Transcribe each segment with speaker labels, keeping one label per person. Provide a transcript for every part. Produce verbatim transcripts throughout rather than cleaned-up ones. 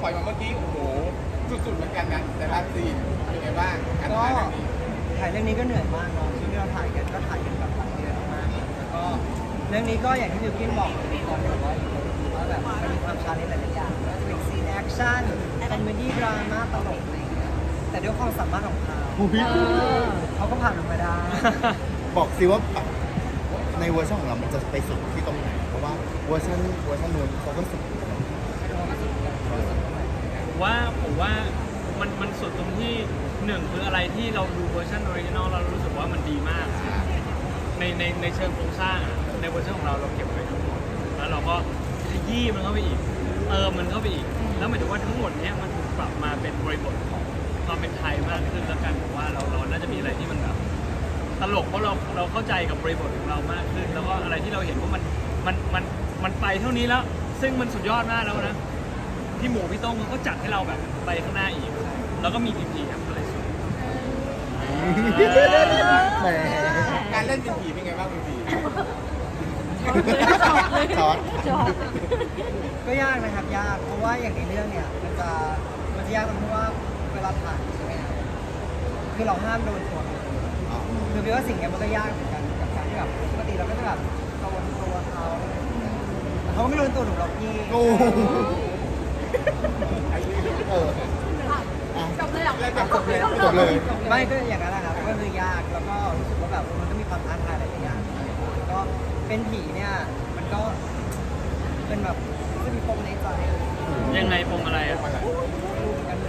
Speaker 1: ปล่อยมาเมื่อกี้โอ้โหสุดๆเหมือนกันนะแต่ละซีนเป็นไงบ้างการ
Speaker 2: ก็
Speaker 1: ถ่ายเรื่องนี้
Speaker 2: ถ่ายเรื่องนี้ก็เหนื่อยมากเนาะที่เราถ่ายกันก็ถ่ายกันแบบหลายเดือนมากแล้วก็เรื่องนี้ก็อย่างที่บิวกินบอกตอนแบบว่าว่าแบบมันมีความชาเลนจ์หลายๆอย่างก็จะเป็นซีนแอคชั่นคอมเมดี้ดราม่าตลกอะไรอย่างเงี้ยแต่ด้วยความสามารถของเขาเขาก็ผ่านมันมาได้
Speaker 3: บอกสิว่าแบบในเวอร์ชันของเรา มันจะไปสุดที่ตรงไหน เพราะว่าเวอร์ชันเวอร์ชันนู้นเขาก็สุด
Speaker 4: ผมว่าผมว่ามันมันสุดตรงที่หนึ่งคืออะไรที่เราดูเวอร์ชันออริจินอลเรารู้สึกว่ามันดีมาก ในในในเชิงโครงสร้างอะในเวอร์ชันของเราเราเก็บไว้ทั้งหมดแล้วเราก็ขยี้มันเข้าไปอีกเติมมันเข้าไปอีกแล้วหมายถึงว่าทั้งหมดเนี้ยมันถูกปรับมาเป็นบริบทของความเป็นไทยมากขึ้นแล้วกันผมว่าเราเราน่าจะมีอะไรที่มันแบบตลกเพราะเราเราเข้าใจกับบริบทของเรามากขึ้น แล้วก็อะไรที่เราเห็นว่ามันมันมันมันไปเท่านี้แล้วซึ่งมันสุดยอดมากแล้วนะพี่หมูพี่โต้งเขาก็จัดให้เราแบบไปข้างหน้าอีกแล้วก็มีพีพีครับอะไรสุด
Speaker 3: แหม
Speaker 1: การเล่นเป็นผีเป็นไงบ้างเป็นผี
Speaker 3: ช็อต
Speaker 2: ก็ยากนะครับยากเพราะว่าอย่างในเรื่องเนี่ยมันจะมันจะยากตรงที่ว่าเวลาถ่ายใช่ไหมครับคือเราห้ามโดนตัวเราคือแปลว่าสิ่งเนี้ยมันก็ยากเหมือนกันกับการที่แบบปกติเราก็จะแบบโดนตัวเขาแต่เขาก็ไม่โดนตัวหนูหรอกพี่
Speaker 3: โอ้เอออ่ะ
Speaker 1: จบเลยหรอจบเลย
Speaker 3: จบเลย
Speaker 2: ไม่ก็อย่างนั้นแหละครับก็คือยากแล้วก็รู้สึกว่าแบบมันก็มีความท้าทายหลายๆอย่างแล้วก็เป็นผีเนี่ยมันก็เป็นแบบก็มีปมในใจ
Speaker 4: ยังไงปมอะไรอ่ะ
Speaker 2: รู้เหมือนกันเลย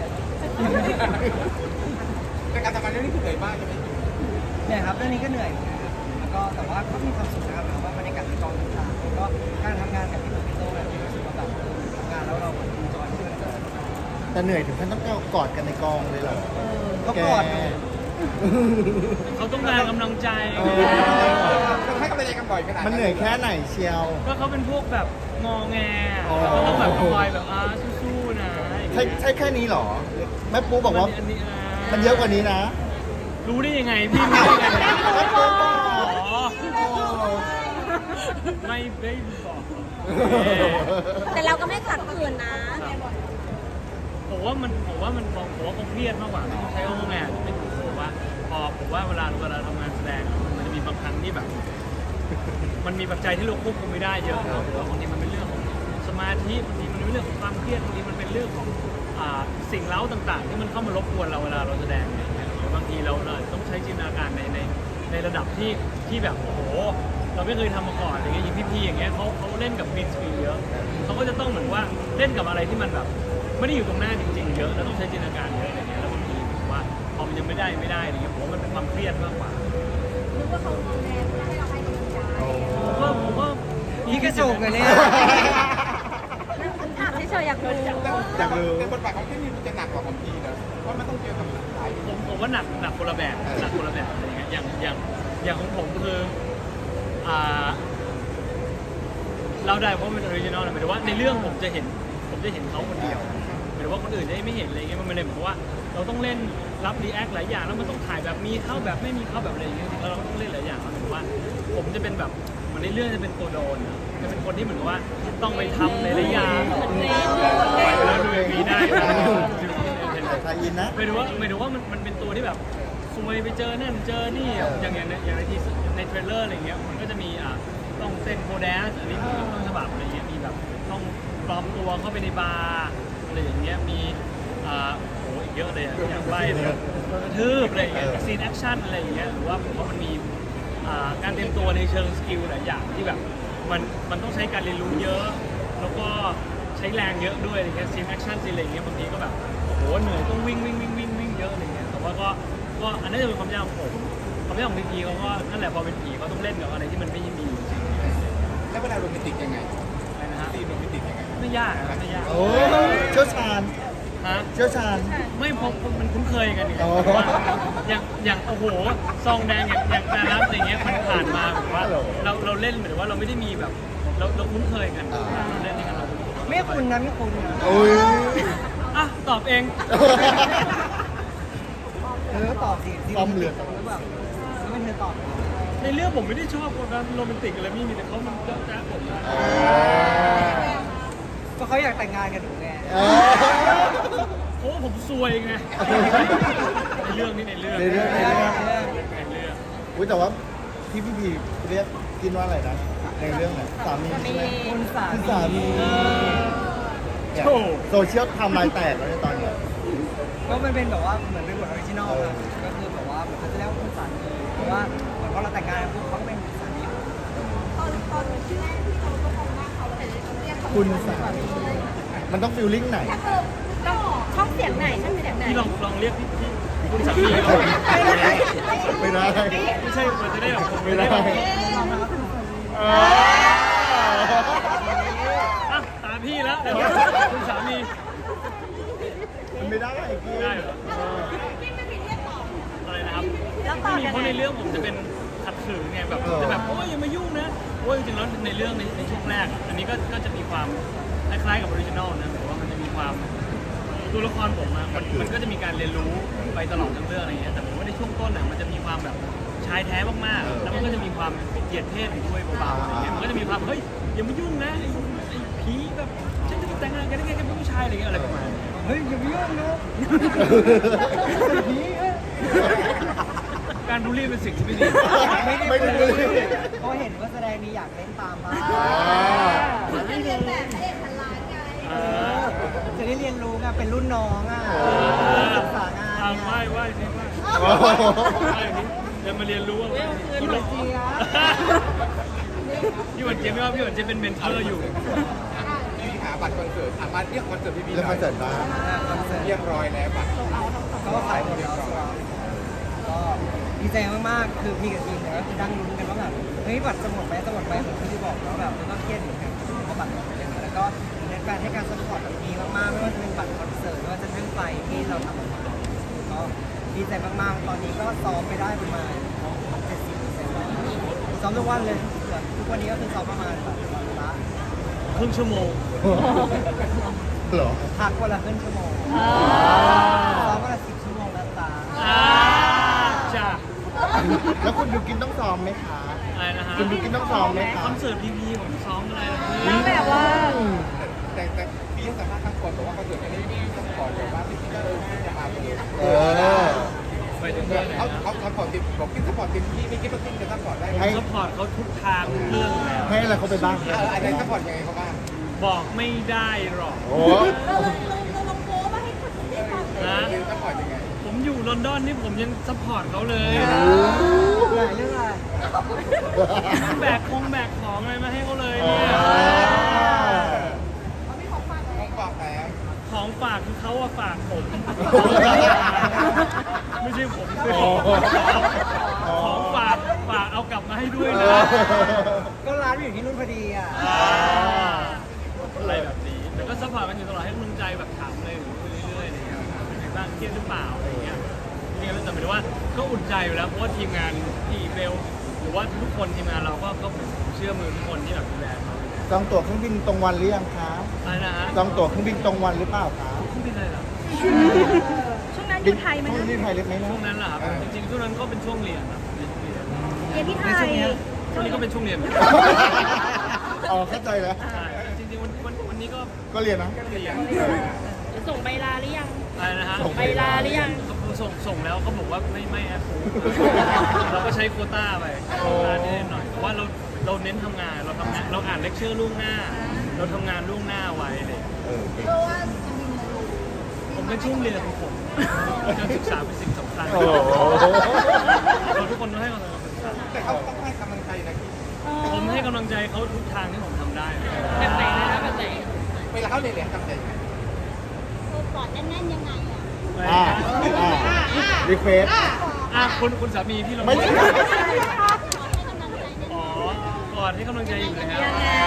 Speaker 1: แต่การทำงานเรื่องนี้คือเหนื่อยมากใช่ไหม
Speaker 2: เนี่ยครับเรื่องนี้ก็เหนื่อยเหมือนกันครับแล้วก็แต่ว่าก็มีความสุขนะครับแบบว่าบรรยากาศในกองต่างๆแล้วก็การทำงานกับพี่หนุ่มพี่โต้แบบรู้สึกว่าแบบทำงานแล้วเราเหมือนจอยที่มันจะ
Speaker 3: แต่เหนื่อยถึงขั้นต้องกอดกันในกองเลยเหรอ
Speaker 2: ก็กอดกัน
Speaker 4: เขาต้องการกำลังใจ
Speaker 3: เออ
Speaker 1: ต้องให้กำลังใจกันบ่อยขนาด
Speaker 3: มันเหนื่อยแค่ไหนเชียว
Speaker 4: ก็เขาเป็นพวกแบบงอแง
Speaker 3: อ๋อ
Speaker 4: เขาต้องแบบคอยแบบอ่าสู้ๆนะ
Speaker 3: ใช่ใช่แค่นี้เหรอ แม่ปูบอกว่า
Speaker 4: นนี้อ่า
Speaker 3: มันเยอะกว่านี้นะ
Speaker 4: รู้ได้ยังไงพี่รู้ได้ยังไง
Speaker 3: แม่ปูบอก
Speaker 4: อ๋อ
Speaker 3: โอ้
Speaker 4: ไม่ได้บอก
Speaker 5: แต่เราก็ไม่ขัดขืนนะ
Speaker 4: ผมว่ามันผมว่ามันผมว่าคงเครียดมากกว่าไม่ต้องใช้คำว่าไงไม่ถูกผมว่าพอผมว่าเวลาเวลาทำงานแสดงอะมันจะมีบางครั้งที่แบบ มันมีปัจจัยที่เราควบคุมไม่ได้เยอะครับหรือว่าบางทีมันเป็นเรื่องของสมาธิบางทีมันเป็นเรื่องของความเครียดบางทีมันเป็นเรื่องของอ่าสิ่งเล้าต่างๆ ที่มันเข้ามารบกวนเราเวลาเราแสดงอะไรอย่างเงี้ยหรือบางทีเราเราต้องใช้จินตนาการในในในระดับที่ที่แบบโอ้โหเราไม่เคยทำมาก่อนอย่างเงี้ยอย่างพี่ๆอย่างเงี้ยเขาเขาเล่นกับกรีนสกรีนเยอะเขาก็จะต้องเหมือนว่าเล่นกับอะไรที่มันแบบไม่ได้อยู่ตรงหน้าจริงๆเยอะแล้วต้องใช้จินตนาการเยอะอะไรเงี้ยแล้วบางทีผมว่าพอมันยังไม่ได้ไม่ได้อะไรเงี้ยผมว่ามันเป็นความเครียดมากกว่า
Speaker 5: นึกว่าเขาดูแลเพื่อให้เราให้กำลังใจ
Speaker 4: ผมว่าผมว่า
Speaker 2: พี่กระจุกเลยเนี่ย
Speaker 5: ถามเฉยๆอยากรู้
Speaker 3: อยากรู้
Speaker 1: แต่บทบาทของพี่มีมันจะหนักกว่าของพี่นะเพราะมันต้องเจอกับหลาย
Speaker 4: ผมผมว่าหนักหนักคนละแบบหนักคนละแบบอะไรเงี้ยอย่างอย่างอย่างของผมคืออ่าเราได้เพราะมันเป็นออริจินอลนะหมายถึงว่าในเรื่องผมจะเห็นผมจะเห็นเขาคนเดียวหมายถึงว่าคนอื่นจะไม่เห็นอะไรเงี้ยมันเลยเหมือนว่าเราต้องเล่นรับรีแอคหลายอย่างแล้วมันต้องถ่ายแบบมีเข้าแบบไม่มีเข้าแบบอะไรอย่างเงี้ยจริงๆแล้วเราก็ต้องเล่นหลายอย่างแล้วเหมือนว่า ผมจะเป็นแบบเหมือนในเรื่องจะเป็นตัวโดนอะจะเป็นคนที่เหมือนกับว่าต้องไปทำหลายๆอย่างแล้วดูอย่างนี้ได้นะ
Speaker 3: ทายอินนะ
Speaker 4: หมายถึงว่าหมายถึงว่ามันมันเป็นตัวที่แบบซวยไปเจอนั่นเจอนี่อย่างอย่างในอย่างในทีในเทรลเลอร์อะไรเงี้ยมันก็จะมีอ่ะต้องเต้นโคแดนซ์อันนี้คือต้นฉบับอะไรเงี้ยมีแบบต้องปลอมตัวเข้าไปในบาร์อะไรอย่างเงี้ยมีอ่าโอ้อีกเยอะเลยอะอย่างใบเลยโดนกระทืบอะไรอย่างเงี้ยซีนแอคชั่นอะไรอย่างเงี้ยหรือว่าผมว่ามันมีอ่าการเตรียมตัวในเชิงสกิลหลายอย่างที่แบบมันมันต้องใช้การเรียนรู้เยอะ แล้วก็ใช้แรงเยอะด้วยอะไรเงี้ยซีนแอคชั่นซีนอะไรเงี้ยบางทีก็แบบโอ้โหเหนื่อยต้องวิ่งวิ่งวิ่งวิ่งวิ่งเยอะอะไรเงี้ยแต่ว่าก็ก็อันนั้นจะเป็นความยากของผมความยากของพีพีเขาก็นั่นแหละพอเป็นผีเขาต้องเล่นกับอะไรที่มันไม่มีจริง
Speaker 1: แล้วเวลาโรแมนติกยังไง
Speaker 4: ๆอะไรนะฮะ
Speaker 1: ซีนโรแมนติกยังไง
Speaker 4: ไม่ยากครับไม่ยาก
Speaker 3: โอ้เชี่ยวชาญ
Speaker 4: ฮะ
Speaker 3: เชี่ยวชาญ
Speaker 4: ไม่พอมันคุ้นเคยกันอย่าง
Speaker 3: อ๋อ
Speaker 4: ว่าอย่างอย่างโอ้โหซองแดงอย่างอย่างนารัสอย่างเงี้ยมันผ่านมาแบบว่าเราเราเล่นเหมือนว่าเราไม่ได้มีแบบเราเราคุ้นเคยกันเราเล่นด้วยกันเรา
Speaker 2: ไม่คุณนะไม่คุณนะ
Speaker 3: โอ้ย
Speaker 4: อ่ะตอบเอง
Speaker 2: เออตอบสิ
Speaker 3: ความเหลือ
Speaker 2: หรือแบบแล้วไม่เธอตอบ
Speaker 4: ในเรื่องผมไม่ได้ชอบคนนั้นโรแมนติกอะไรไม่มีแต่เขามันเจ้าจ้าผมนะ
Speaker 2: ก็เขาอยากแต่งงานกันถูกไง
Speaker 3: เออ
Speaker 4: เพราะว่าผมซวยไงในเรื่องนี้ในเรื่อง
Speaker 3: ในเรื่องในเรื่อง
Speaker 4: ในเรื่อง
Speaker 3: อุ้ยแต่ว่าที่พี่พีเรียกกินว่าอะไรนะในเรื่องไหนสามีใช่ไหม
Speaker 2: คุณสา
Speaker 3: คุณ
Speaker 2: มี
Speaker 3: สามีเนี่ยโซเชียลทำลายแตกแล้วในตอนเนี้ย
Speaker 2: ก็มันเป็นแบบว่าเหมือนเป็นบทออริจินอลครับก็คือแบบว่าเหมือนเขาจะเรียกว่าคุณสามีเพราะว่าเหมือนพอเราแต่งงานปุ๊บเขาก็เป็นคุณสามี
Speaker 5: ตอนตอนที่แรกที่เราก็มองว่าเขาแต่เรียกเขา
Speaker 3: คุณสามีมันต้องฟิลลิ่งไหน
Speaker 5: ถ้าเกิดต้องช่องเสียงไหนช่องเสียงไหน
Speaker 4: พี่ลองลองเรียกพี่พี่คุณสามีเขา
Speaker 3: ไม่ได้
Speaker 4: ไม่ใช่มันจะได้แบบผม
Speaker 3: ไม่
Speaker 4: ไม่
Speaker 3: ได้
Speaker 4: ได้แบบ
Speaker 3: เออ
Speaker 4: อ่ะตามพี่แล้วเดี๋ยวคุณสามี
Speaker 3: มันไม่ได้ไอ้กี้
Speaker 4: ได้เหรออะไรนะครับไม่มีเพราะในเรื่องผมจะเป็นขัดขืนไงแบบจะแบบโอ้ยอย่ามายุ่งนะโอ้ยจริงๆแล้วในเรื่องในในช่วงแรก อันนี้ก็ก็จะมีความคล้ายๆกับออริจินอลนะแต่ว่ามันจะมีความตัวละครผมอะมันมันก็จะมีการเรียนรู้ไปตลอดทั้งเรื่องอะไรเงี้ยแต่ผมว่าในช่วงต้นอะมันจะมีความแบบชายแท้มากๆแล้วมันก็จะมีความเหยียดเพศอยู่ด้วยเบาๆอะไรเงี้ยมันก็จะมีความเฮ้ยอย่ามายุ่งนะไอ้ไอ้ผีแบบฉันจะแต่งงานกันได้ไงกันเป็นผู้ชายอะไรเงี้ยอะไรประมาณนี้
Speaker 2: เฮ้ยอย่าไปยุ่งนะ
Speaker 4: การบูลลี่เป็นสิ่งที่ไม่ดี
Speaker 3: ไม่ได้เลย
Speaker 2: เพราะเห็นว่าแสดงนี้อยากเล่นตามบ้าง
Speaker 5: เขาจะเรียนแบบพระเอกพันล้านไง
Speaker 4: เออ
Speaker 2: จะได้เรียนรู้ไงเป็นรุ่นน้องอ่ะศึกษางาน
Speaker 4: อ่า
Speaker 2: ไง
Speaker 4: ไหว้ไหว้สิไหว้
Speaker 3: โอ้โห
Speaker 4: ไหว้นี่เดี๋ยวมาเรียนรู้ว่าพี่หวันเจี๊ยบพี่หวันเจี๊ยบไม่ว่าพี่หวันเจี๊ยบเป็นเมนเทอร์อยู่
Speaker 1: พี่หาบัตรคอนเสิร์ตอ่ะมาเรียกคอนเสิร์ตพี่บีห
Speaker 3: แล้ว
Speaker 1: น่
Speaker 3: มา
Speaker 1: อย
Speaker 3: เสร็จบ้าง
Speaker 1: เรียบร้อยแล้วบัตร
Speaker 2: ก็ขายหมดแล้วครับก็ดีใจมากๆ คือพี่กับทีมเนี่ยก็คือดังลุ้นกันว่าแบบเฮ้ยบัตรจะหมดไหมจะหมดไหมเหมือนที่พี่บอกแล้วแบบแล้วก็เครียดเหมือนกันเพราะบัตรหมดไปแล้วแล้วก็ในการให้การสปอร์ตแบบดีมากๆไม่ว่าจะเป็นบัตรคอนเสิร์ตไม่ว่าจะทั้งไฟที่เราทำออกมาก็ดีใจมากๆ ตอนนี้ก็ซ้อมไปได้ประมาณเจ็ดสิบเปอร์เซ็นต์แล้วซ้อมทุกวันเลยทุกวันนี้ก็คือซ้อมประมาณแบบวันละ
Speaker 4: ครึ่งชั่วโมง
Speaker 3: เหรอ
Speaker 2: พักวันละครึ่งชั่วโมงซ้อมวันละสิบชั่วโมงนะตา
Speaker 4: อ่าจ้ะ
Speaker 3: แล้วคุณดูกินต้องซ้อมไหมคะ
Speaker 4: อะไรนะฮะ
Speaker 3: คุณดูกินต้องซ้อมไหมคะ
Speaker 4: คอนเสิร์ตพีพีผมซ้อมอะไรนะพี่
Speaker 5: แล้วแบบว่า
Speaker 1: แต่แต่พี่สามารถทั้งคนบอกว่าคอนเสิร์ตนี้พี่ต้องขอแบบว่าพี่ก็เออพี่จะมาเลย
Speaker 3: เออ
Speaker 4: ไปถึงเรื่องไหน
Speaker 1: เขา
Speaker 4: นะ
Speaker 1: เขาเขาขอติดบอกพี่สปอร์ตติดพี่ไม่คิดว่าพี่จะสปอร์ตได้ไหม
Speaker 3: ให้
Speaker 4: ซัพพอร์ตเขาทุกทางทุกเรื่องอยู่แล้ว
Speaker 3: ให้อะไรเขาไปบ้าง
Speaker 1: เอออะไรสปอร์ตยังไงเขาบ้าง
Speaker 4: บอกไม่ได้หรอก
Speaker 3: โอ้
Speaker 5: เราเลยเราลงโพสมาให้คนได้ฟัง
Speaker 4: นะ
Speaker 1: คือสปอร์ตยังไง
Speaker 4: ผมอยู่ลอนดอนนี่ผมยังซัพพอร์ตเขาเลย
Speaker 2: หลายเรื่องอะไร
Speaker 4: แบกคงแบกของอะไรมาให้เขาเลยเนี่ย
Speaker 1: ต้องบอกแล้ว
Speaker 4: ของฝากคือเขาอะฝากผม ไม่ใช่ผมคือ
Speaker 3: อ๋อ
Speaker 4: ของฝากฝากเอากลับมาให้ด้วย
Speaker 3: เอ
Speaker 4: นะ
Speaker 3: อ
Speaker 2: ก็ร้านอยู่ที่นู่นพอดีอ่ะ
Speaker 4: อ่าอะไรแบบนี้แต่ก็ซัพพอร์ตกันอยู่ตลอดให้กำลังใจแบบถามเลยคุยเรื่อยๆอะไรเงี้ยเป็นไงบ้างเครียดหรือเปล่าอะไรเงี้ยจริงๆแล้วแต่หมายถึงว่าก็อุ่นใจอยู่แล้วเพราะว่าทีมงานที่เบลหรือว่าทุกคนทีมงานเราก็ก็เชื่อมือทุกคนที่แบบดูแลเขา
Speaker 3: จองตั๋วเครื่องบินตรงวันหรือยังคะ
Speaker 4: อะไรนะฮะ
Speaker 3: จองตั๋วเครื่องบินตรงวันหรือเปล่าคะ
Speaker 4: เครื่องบินอะไรเหรอ
Speaker 5: ช่วงนั้นอยู่ไทยไหม
Speaker 3: ช่ว
Speaker 5: นะ
Speaker 3: งนี้ไทยเล็กไหมนะ
Speaker 4: ช่วงนั้นเหรอครับจริงๆช่วงนั้นก็เป็นช่วงเรียนครับเรียนเรียน
Speaker 5: เรียนที่ไทย
Speaker 4: ช่วงนี้ก็เป็นช่วงเรียน
Speaker 3: อ๋อเข้าใจแล้ว
Speaker 4: ใช่จริงๆวันวันวันนี้ก็
Speaker 3: ก็เรียนนะ
Speaker 4: เรียน
Speaker 5: ส่งใบลาหรือยัง
Speaker 4: อะไรนะฮะ
Speaker 3: ส่ง
Speaker 5: ใบลาหรือยัง
Speaker 4: ส่งส่งแล้วเขาบอกว่าไม่ไม่แอปพูเราก็ใช้โควต้าไปโควต้านิดหน่อยแต่ว่าเราเราเน้นทำงานเราทำงานเราอ่านเลคเชอร์ล่วงหน้า เราทำงานล่วงหน้าไว้เลย
Speaker 3: เออเก่ง
Speaker 5: เพราะว่าจะมีมาดู
Speaker 4: ผมเป็นช่วงเรียนของผมการศึกษาเป็นสิ่งสำคัญ
Speaker 3: โอ้โห
Speaker 4: เราทุกคนต้องให้กำลังใจ
Speaker 1: แต่เขาต้องให้กำลังใจนะ
Speaker 4: ผมให้กำลังใจเขาทุกทางที่ผมทำได้
Speaker 5: แบบไหนนะแบบไหน
Speaker 1: เวลาเขาเรียนเรียนทำใจยังไง
Speaker 5: ตัวปอดแน่นๆยังไงอ่ะ
Speaker 3: อ่าอ่ารีเควส
Speaker 4: อ่ะคุณคุณสามีพี่ลง
Speaker 3: ไม่ใช่
Speaker 4: อ๋อกอดให้กำลังใจอยู่แล้ว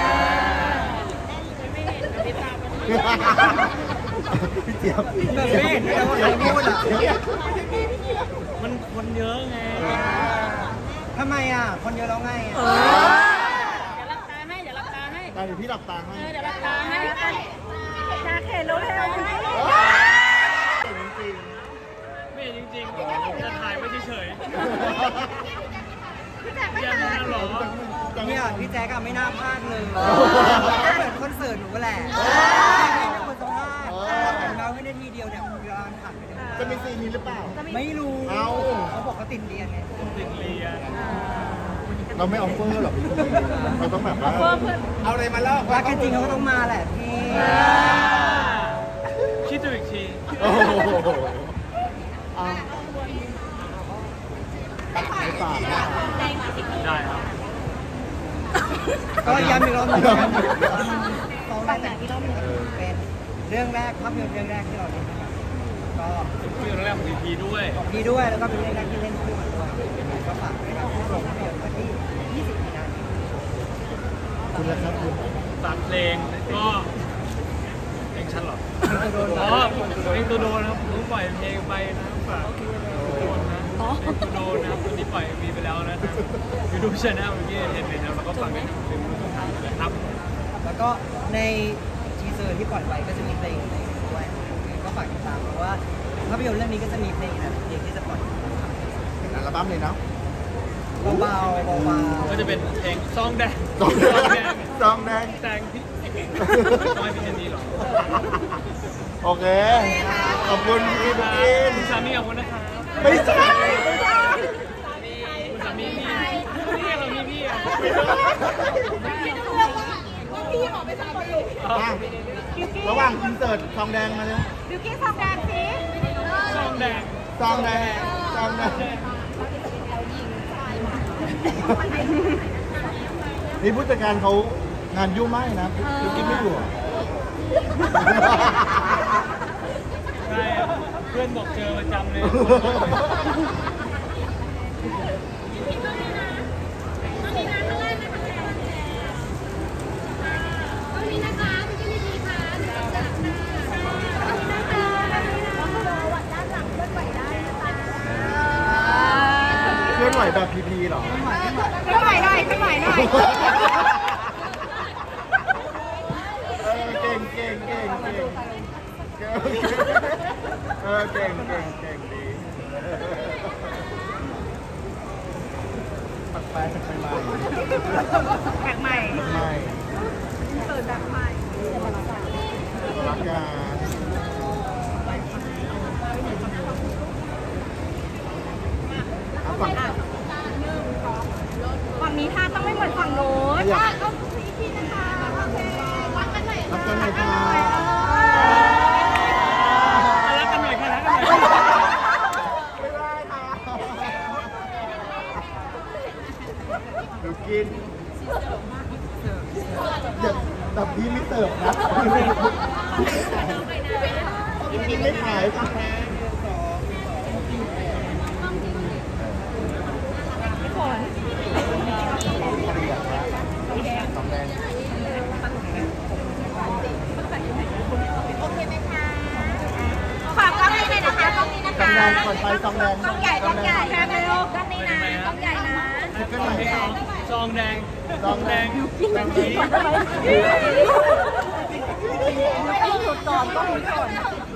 Speaker 5: ไม่เห็นติดตามมัน
Speaker 3: พี่เจี๊ยบ
Speaker 2: แบบไม่เห็นด้วยนะว่าใครพูดอ่ะ
Speaker 4: มันคนเยอะไง
Speaker 2: ทำไมอ่ะ คนเยอะแล้วไงอ่ะ
Speaker 5: เดี๋ยวรับตาให้ เดี๋ยวรับตาให้
Speaker 3: ตาเดี๋ยวพี่หลับตาให้
Speaker 5: เออ เดี๋ยวรับตาให้ชาเข็นแล้วเร็ว
Speaker 3: จริง
Speaker 4: ไม่จริงๆจะถ่ายไว้เฉย
Speaker 5: พี่แจ๊คไม่
Speaker 4: ๆอย่า
Speaker 5: ตา
Speaker 4: พูดนะหรอ
Speaker 2: เนี่ยพี่แจ๊กอะไม่น่าพลาดเลยเหมือนคอนเสิร์ตหนูแหละไม่เป็นคนสัมภาษณ์นาทีเดียวเนี่ยเวลาผ่านไปเนี่ย
Speaker 3: จะมีซีนนี้หรือเปล่า
Speaker 2: ไม่รู้
Speaker 3: เอ้า
Speaker 2: เขาบอกเขาติดเรียนไง
Speaker 4: ติดเรียน
Speaker 3: เราไม่ออฟเฟอร์หรอกเราต้องแบบว่า
Speaker 1: เอาอะไรมาเล่า
Speaker 2: รักกันจริงเขาก็ต้องมาแหละพี่
Speaker 4: คิดดูอีกที
Speaker 3: โอ้โหอ่ะไม่ฝากนะ
Speaker 4: ได้ครับ
Speaker 2: ก็ย้ำอีกรอบหนึงสองแบบอีกรอบหนึงเป็นเรื่องแรกภาพยนตร์เรื่องแรกที่เราเล่นนะครับก็
Speaker 4: คือเรื่องแรกของพีพีด้วย
Speaker 2: ดีด้วยแล้วก็เป็นเรื่องแรกที่เล่นคู่กันด้วยก็ฝากด้วยนะครับโรงภาพยนตร์วันที่ยี่สิบมีนาคม
Speaker 3: คุณละครับคุณ
Speaker 4: ฝากเพลงก็เพลงฉันเหรอ
Speaker 2: จะโดน
Speaker 4: อ๋อเพลงตัวโดนครับผมปล่อยเพลงไปนะฝากโดนนะเพลงตัวโดนนะครับตอนนี้ปล่อยมีไปแล้วนะครับยูทูบช anel เมื่อกี้เห็นเลยนะแล้วก็ฟังได้ทั้งเพลงทุกทางเลยครับ
Speaker 2: แล้วก็ในทีเซอร์ที่ปล่อยไปก็จะมีเพลงในด้วยก็ฝากติดตามเพราะว่าภาพยนตร์เรื่องนี้ก็จะมีเพลงนะเพลงที่จะปล่อย
Speaker 3: เป็นอัลบั้มเลยเนาะ
Speaker 2: เบาๆเบา
Speaker 4: ก็จะเป็นเพลงซองแดง
Speaker 3: ซองแดงซองแดง
Speaker 4: แดงพี่ซอยพี่เจนนี่หรอ
Speaker 3: โอเค ขอบคุณพี่บุ๊กิน
Speaker 4: คุณสามีขอบคุณนะครับ
Speaker 3: ไม่ใช่
Speaker 4: คุณสามีพี่พี่เรามีพี่อ่ะ
Speaker 5: พี่บอกไปสักคนเลย
Speaker 3: อ่ะระหว่างอินเสิร์ตซองแดงมาเลย
Speaker 5: บิวกี้ซองแดงสิ
Speaker 4: ซองแดง
Speaker 3: ซองแดงซองแดงนี่ผู้จัดการเขางานยุ่งมากเลยนะพี่กิ๊กไม่อยู่อ่ะ
Speaker 4: ใช่เพื่อนบอกเจอประจำเลย
Speaker 3: เคลื่อนไหวแบบพีพีเหรอ
Speaker 5: ขึ้นไหวหน่อยขึ้นไหวหน่อย
Speaker 3: เออเก่งเก่งเก่งเก่งเออเก่งเก่งเก่งดีปักไปปักไปมา
Speaker 5: แขกใหม่
Speaker 3: ใหม่
Speaker 5: เปิดแบบใหม่
Speaker 3: รักกันเอาฝั่ง
Speaker 5: ฝั่งนี้ท่าต้องไม่เหมือนฝั่งโน้นท่าต้องสีที่นะคะโอเครักกันหน่อย
Speaker 3: รักกันหน่อยค่ะ
Speaker 4: รักกันหน่อยค่ะรักกันหน่อย
Speaker 3: ไม่ได้ค่ะดูกินเดี๋ยวแต่พี่ไม่เสิร์ฟนะพี่ไม่ขายค่ะ สองแดง
Speaker 5: โอเคไหมคะฝากกล้องนี้เลยนะคะกล้องนี้นะคะ
Speaker 3: สองแดงก่อนไปสองแดง
Speaker 5: กล้องใหญ่กล้องใหญ่แค่ไม่รู้กล้องนี้นะกล้องใหญ่นะ
Speaker 3: ขึ้นหน่อยค่ะ
Speaker 4: ซองแดง
Speaker 3: ซองแดง
Speaker 4: ซองแดง
Speaker 5: ไม่ต้องหยุดก่อนต้องหยุดก่อน